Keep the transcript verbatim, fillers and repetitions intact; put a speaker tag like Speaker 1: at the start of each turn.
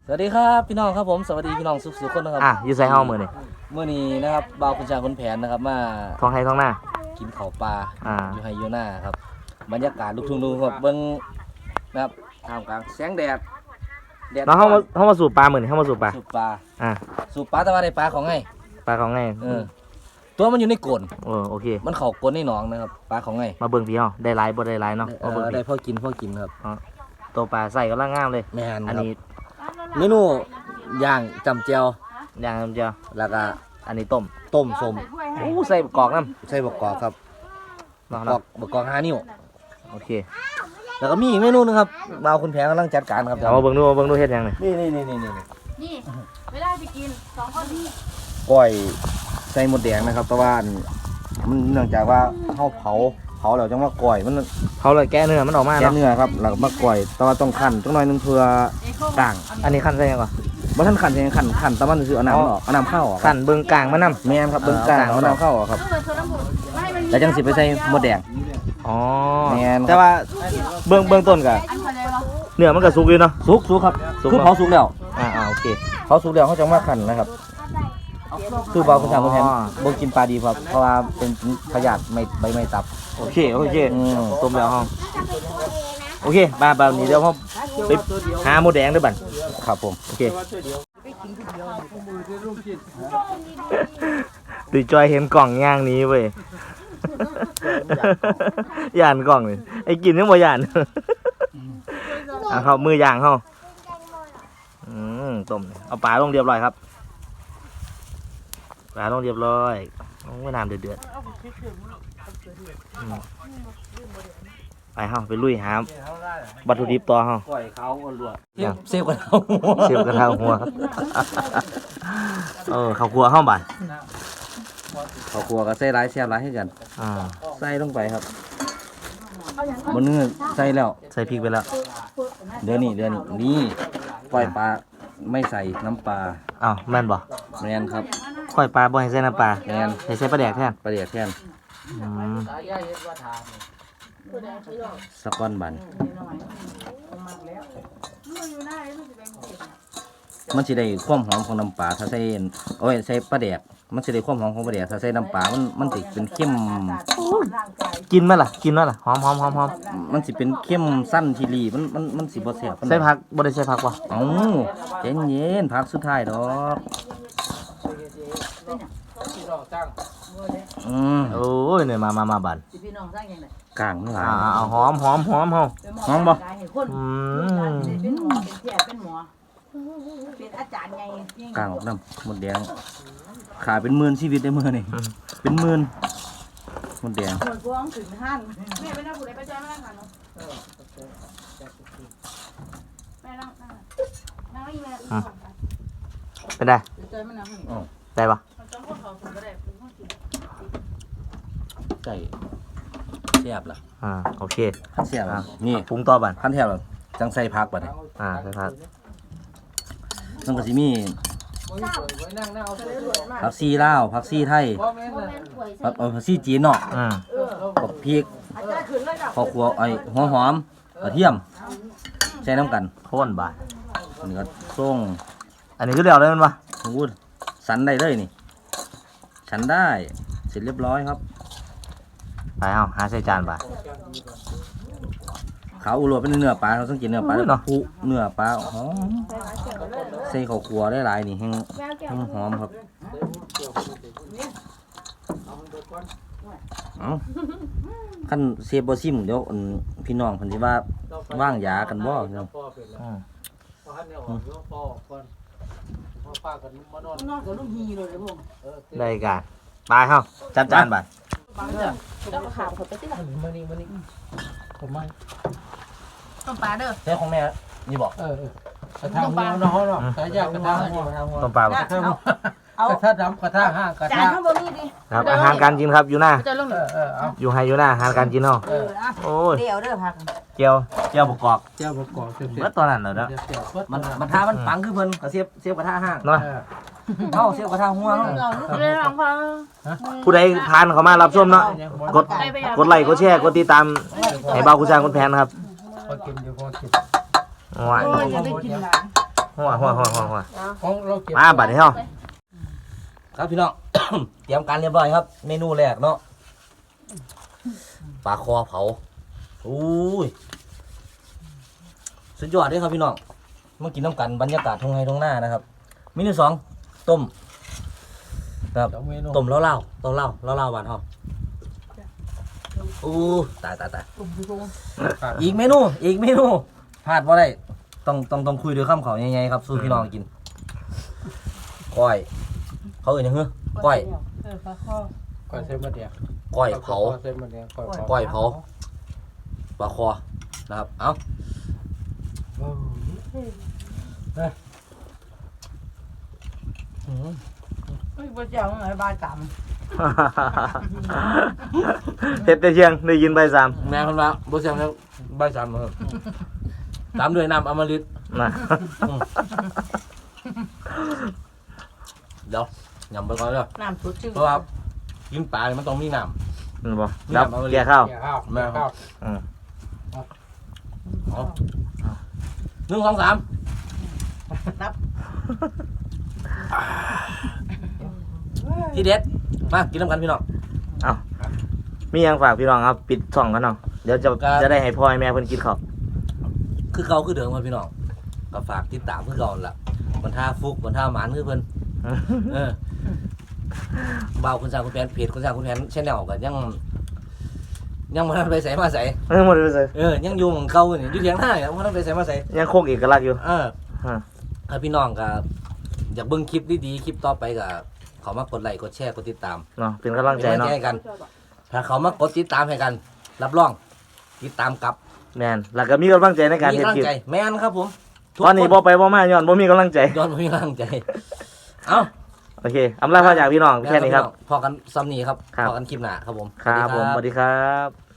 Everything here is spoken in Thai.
Speaker 1: สวัสดีครับพี่น้องครับผมสวัสดีพี่น้องสุขสุขคนนะครับ
Speaker 2: อ่ะอยู่ใส่ห้องมือนี่
Speaker 1: เมื่อนี้นะครับบ่าวคุณชาคุณแผนนะครับมา
Speaker 2: ท้องให้ท้องหน้า
Speaker 1: กินข้าวปลา
Speaker 2: อ่า
Speaker 1: อยู่ไฮยูน่าครับบรรยากาศลูกทุ่งดูครับเบิ้งนะครับท่ามกลางแสงแดดแดด
Speaker 2: น้องเข้ามาเข้ามาสูบปลามือนี่เข้ามาสูบปลา
Speaker 1: สูบปลา
Speaker 2: อ่า
Speaker 1: สูบปลาแต่ว่าได้ปลาของไง
Speaker 2: ปลาของไง
Speaker 1: เออตัวมันอยู่ในกลน
Speaker 2: โอ้โอเค
Speaker 1: มันเข่ากลนในหนองนะครับปลาของไง
Speaker 2: มาเบิ่งพี่ห้องได้หลายบ่ได้หลายเนาะ
Speaker 1: เอ
Speaker 2: มาเบิ่ง
Speaker 1: อ
Speaker 2: พี่
Speaker 1: ได้พ่อกินพ่อกินครับ
Speaker 2: ตัวปลาใส่ก็ล่างงามเลย
Speaker 1: แม่น
Speaker 2: อัน
Speaker 1: ครับ
Speaker 2: นี้
Speaker 1: เมนูย่างจำเจียว
Speaker 2: ย่างน้ำเจียว
Speaker 1: แล้วก็
Speaker 2: อันนี้ต้ม
Speaker 1: ต้มส้ม
Speaker 2: อู้ใส่กรอกน้
Speaker 1: ใส่บกกอกครับ
Speaker 2: ำเนาะ
Speaker 1: บกกอ
Speaker 2: เนาะ
Speaker 1: กบกกอกห้านิ้ว
Speaker 2: โอเค
Speaker 1: แล้วก็มีอีกเมนูหนึงครับบ่าวคุณแผนกำลังจัดการครับ
Speaker 2: เอามาเบิ่งดูมาเบิ่งดูเฮ็ดยังนี่
Speaker 1: นี่นี่นี่นี่นี่
Speaker 3: นี่เวลาจะกินสองคนนี้
Speaker 1: ก้อยใส่หมดแดงนะครับแต่ว่าอันมันเนื่องจากว่าเขาเผาเผาแล้วจังว่าก้อยมัน
Speaker 2: เขาเลยแก้เนื้อมันออกมา
Speaker 1: แก่
Speaker 2: เนาะ
Speaker 1: เนื้อครับแล้วก็มาก้อยแต่ว่าต้องคั่นจังหน่อยหนึงเพื่อก่าง
Speaker 2: อันนี้ขั้นใส่ยังก่อน
Speaker 1: บ่ทันคั่นใช่คั่นคั่นแต่มันคือเอาน้ำมันออกเอาน้ำเข้าออก
Speaker 2: ขั้นเบิ่งกลางมันน้
Speaker 1: แม่นครับเบิ่งกลางเอาน้ำเข้าออกครับ
Speaker 3: เปิดโซดาหมดไม่ให้มัน
Speaker 1: แล้วจังสิไปใส่หมดแดง
Speaker 2: ำอ๋อ
Speaker 1: แม่นครับ
Speaker 2: แต่ว่าเบิ่งเบิ่งต้นก็
Speaker 3: อันอะไรวะ
Speaker 2: เนื้อมันก็สุกอยู่เนาะ
Speaker 1: สุกสุกครับ
Speaker 2: สุก
Speaker 1: คือ
Speaker 2: เนอะ
Speaker 1: เผาสุกแล้ว
Speaker 2: อ่าอ่าโอเค
Speaker 1: เผาสุกแล้วเขาจังว่าคั่นนะครับคือเบาคุณทางคุณแทนบ่กินปลาดีครับเพราะว่าเป็นพยาธิไม่ใบไม้ตับ
Speaker 2: โอเคโอเค
Speaker 1: อืม
Speaker 2: ต้มแล้วห้องโอเคมาแบบนี้เดี๋ยวผมไปหาหมูแดงด้วยบั่น
Speaker 1: ครับผม
Speaker 2: โอเคตีจอยเห็นกล่องย่างนี้เว้ย ย่านกล่องเลยไอ้กินยังบ่ย่าน อ่ะเขามือย่างเขาอืมต้มเอาปลาลงเรียบร้อยครับปลาลงเรียบร้อยไม่น้ำเดือดๆอืมไปเฮาไปลุยหาวัตถุดิบต่อเฮา
Speaker 1: ก้อยเขาลวก
Speaker 2: ยัง
Speaker 1: เซฟกันเอา
Speaker 2: เสียบกระทะหัว เออข้าวคั่วห้าบาท
Speaker 1: ข้าวคั่วก็ใส่หลายเสียบหลายให้กัน
Speaker 2: อ่า
Speaker 1: ใส่ลงไปครับบนเนื้อใส่แล้ว
Speaker 2: ใส่พริกไปแล้ว
Speaker 1: เดี๋ยวนี้เดี๋ยวนี้นี่ปล่อยปลาไม่ใส่น้ำปลา
Speaker 2: อ้าวแม่นบ่
Speaker 1: แมนครับ
Speaker 2: ก้อยปลาบ่ให้ใส่น้ำปลา
Speaker 1: แมน
Speaker 2: ให้ใส่ปลาแดกแทน
Speaker 1: ปลาเดียดแทน
Speaker 2: อืม
Speaker 1: สักก้อนบันมันสิได้ความหอมของน้ำปลาถ้าใส่โอ้ยใส่ปลาแดกมันสิได้ความหอมของปลาแดกถ้าใส่น้ำปลามันมันสิเป็นเข้ม
Speaker 2: กินไหมล่ะกินไหมล่ะหอมหอมหอมหอม
Speaker 1: มันสิเป็นเข้มสั้นทีรีมันมันมันสิบ่แซ่บปานใด
Speaker 2: ใส่ผักบ่ได้ใส่ผักบ่
Speaker 1: เอ้าใจเย็นพักสุดท้ายดอกอืม
Speaker 2: โอ้ยเนี่ยมามามาบัน
Speaker 3: พี่น้องสร้างยังไง
Speaker 1: กลางมันหลาย
Speaker 2: อ่าเอาหอมหอมหอมเฮา
Speaker 1: หอมบ่
Speaker 2: อืม
Speaker 3: เป็นหมอเป็นแพทย์เป็นหมอเป็นอาจารย์ไง
Speaker 1: กลางออกน้ำหมดแดงขาเป็นหมื่นชีวิตได้มื้อนี่เป็นหมื่นหมดแดง
Speaker 3: คนพวงถึงห้านแม่ไปนั่งผู้ใดไปใจมานั่งกันเนาะแม่นั่งนั่งนั่งอีแม่
Speaker 2: เป็นได้
Speaker 3: ใจมานั่ง
Speaker 2: ได้ปะ
Speaker 3: จำพวกเขาถึงก็ได้
Speaker 1: ใส่แซ่บล่ะ
Speaker 2: อ่าโอเค
Speaker 1: พันแซ่บล่ะนี่
Speaker 2: ปรุงต่อบัน
Speaker 1: พันแซ่บล่ะจังใส่ผักบัดนี้
Speaker 2: อ่าใส่ผัก
Speaker 1: มันก็สิมีผักซีลาวผักซีไทยผักเอ่อผักซีจีนเนาะ
Speaker 2: อืม
Speaker 1: บักพริกข้าวคั่วไอ้หัวหอมกระเทียมใส่น้ำกัน
Speaker 2: โค่นบาท
Speaker 1: อันนี้ก็ส่ง
Speaker 2: อันนี้คือเดียวเลยมันปะ
Speaker 1: โอ้โหสันได้เลยนี่สันได้เสร็จเรียบร้อยครับ
Speaker 2: ไปเอาหาใส่จานบาท
Speaker 1: ขาวอุโรเป็นเนื้อปลาเราต้องกินเนื้อปลา
Speaker 2: อุ้ยเนาะ
Speaker 1: ผูเนื้อปลาหอมใส่ข้าวคั่วได้หลายนี่แห้งแห้งหอมครับเอาขั้นเซฟบอซิมเดี๋ยวอันพี่น้องเพิ่นสิว่าว่างยากันบ่เนาะ
Speaker 2: อืม
Speaker 3: นอนกับลูกฮีเลยเลยพวก
Speaker 2: ได้การไปเฮาจัดจานบาท
Speaker 3: แล้วก็ขามเขาไปที่ไหน
Speaker 4: มานี่มานี่ผมไม่
Speaker 3: ต้มปลาเด้อ
Speaker 1: ใช่ของแม่นี่บอก
Speaker 4: เออกระทะหัวเนาะเนาะสายยากระทะหัว
Speaker 2: ต้มปลาบ่
Speaker 4: กระทะหัว
Speaker 3: เอา
Speaker 4: กระทะดำกระทะห้างกระ
Speaker 3: จา
Speaker 4: ทะ
Speaker 3: นข้างบนนี่ดิ
Speaker 2: ครับอาหารการกินครับอยู่หน้า
Speaker 3: จะลง
Speaker 4: เออเออเอา
Speaker 2: อยู่ไฮอยู่หน้าอาหารการกินเนาะ
Speaker 3: เอออ่ะ
Speaker 2: โอ้ย
Speaker 3: เดี๋ยวเด้อพัก
Speaker 2: เจียวเจียวบกกอก
Speaker 4: เจ้าประกอบเสร็จ
Speaker 2: เมื่อตอนนั้นเหรอเนาะ
Speaker 1: มันมันทามันปังคือเพิ่นก็เสียบเสียบกระทะห้าง
Speaker 2: เนาะ
Speaker 1: เอ้าเสียบกระทะหัวเนาะ
Speaker 3: เรื่องของพัง
Speaker 2: ผู้ใดผ่านเข้ามารับชมเนาะกดกดไลค์กดแชร์กดติดตามให้เบาคุณช้างคุณแผนครับ
Speaker 4: พอกินอยู่พอกิน
Speaker 2: ว้าย
Speaker 3: โอ้ยอย่าได้กินหลาย
Speaker 2: หหัวหัวหัวหัวหัว
Speaker 4: ของเราเก็บ
Speaker 2: มาบัดนี้เฮา
Speaker 1: ครับพี่น้อง เตรียมการเรียบร้อยครับ เมนูแรกเนาะปลาคอเผาอุ้ยสุดยอดเลยครับพี่น้องมากินน้ำกันบรรยากาศทงไฮทงหน้านะครับเมนูสองต้มครับ
Speaker 4: สองเมนู
Speaker 1: ต้มเล่าเล่าต้มเล่าเล่าเล่าหวานหอมอู้ตายตายตายอีกเมนูอีกเมนูพลาดว่าได้ต้องต้องต้องคุยด้วยคำเขาใหญ่ๆครับสู้พี่น้องกินก้อยเขาเอ่ยยังเหรอก้อย
Speaker 3: เออปลาข้อ
Speaker 4: ก้อยเส้นมะเดียว
Speaker 1: ก้อยเผา
Speaker 4: เส้นมะเดียวก้อยเผา
Speaker 1: ก้อยเผาปลาคอนะครับเอ้า
Speaker 3: เฮ้ยบ่เจ้าไงบ้านต่
Speaker 2: เฮ็ดแต่เชียงได้ยินใบสาม
Speaker 1: แม่คนละบ่เสียงแล้วใบสามเออตามด้วยน้ำอมฤต
Speaker 2: นะ
Speaker 1: เดี๋ยวยำไปก่อนเลย
Speaker 3: ำน้ำสดชื่น
Speaker 1: เพราะว่ากินปลาเนี่ยมันต้องมีน้
Speaker 2: นี่บ่
Speaker 1: นี่
Speaker 2: รับ
Speaker 1: เอามา
Speaker 2: เกี่ยข้าว
Speaker 4: เกี่ยวข้าวแม่ข้าว
Speaker 2: อืม
Speaker 1: ำเอาหนึ่งสองสาม
Speaker 3: นับ
Speaker 1: ที่เด็ดมากินน้ำกันพี่น้อง
Speaker 2: มีหยังฝากพี่น้องครับปิดช่องกันเนาะเดี๋ยวจะ
Speaker 1: ครับ
Speaker 2: จะได้ให้พ่อให้แม่เพิ่นกินข้าว
Speaker 1: คือเก่าคือเดิมครับพี่น้องก็ฝากติดตามคือเก่านั่นล่ะบรรท่าฟุกบรรท่าหมานคือเพิ่นเออเบาคุณสร้างคุณแผนเพจคุณสร้างคุณแผนแชนแนลก็ยังยังบ่ทันไปใส่มาใส่
Speaker 2: เออหมดเลย
Speaker 1: เออยังอยู่ของเก่านี่อยู่เถียงหน้ายังบ่ทันไปใส่มาใส่
Speaker 2: ยังคงเอกลักษณ์อยู่
Speaker 1: เออ
Speaker 2: ฮะ
Speaker 1: ถ้าพี่น้องก็อยากเบิ่งคลิปดีๆคลิปต่อไปก็เขามากดไลค์กดแชร์กดติดตาม
Speaker 2: เนาะเป็นกำลังใจ
Speaker 1: เป็นกำลัง
Speaker 2: เนาะ
Speaker 1: ใจให้กัน ถ้าเขามากดติดตามให้กัน รับรองติดตามกลับ
Speaker 2: แม่นแล้วก็มีกำลังใจในการ
Speaker 1: มี
Speaker 2: เฮ็ด
Speaker 1: กำลัง
Speaker 2: คลิป
Speaker 1: ใจแม่นครับผมทุก
Speaker 2: ตอนนี้
Speaker 1: ค
Speaker 2: บ่ไปบ่มาย้อนบ่มีกำลังใจ
Speaker 1: ย้อนบ่มีกำลังใจ เอ้า
Speaker 2: โอเคอำลาพาจากพี่น้องแค่นี้ครับ
Speaker 1: พอกันซ้ำนี้ครับ
Speaker 2: ครับ
Speaker 1: พอกันคลิปหน้าครับผม
Speaker 2: ครับผม
Speaker 1: ส
Speaker 2: ส
Speaker 1: วั
Speaker 2: วั
Speaker 1: ส
Speaker 2: ส
Speaker 1: ดี
Speaker 2: ดีครับ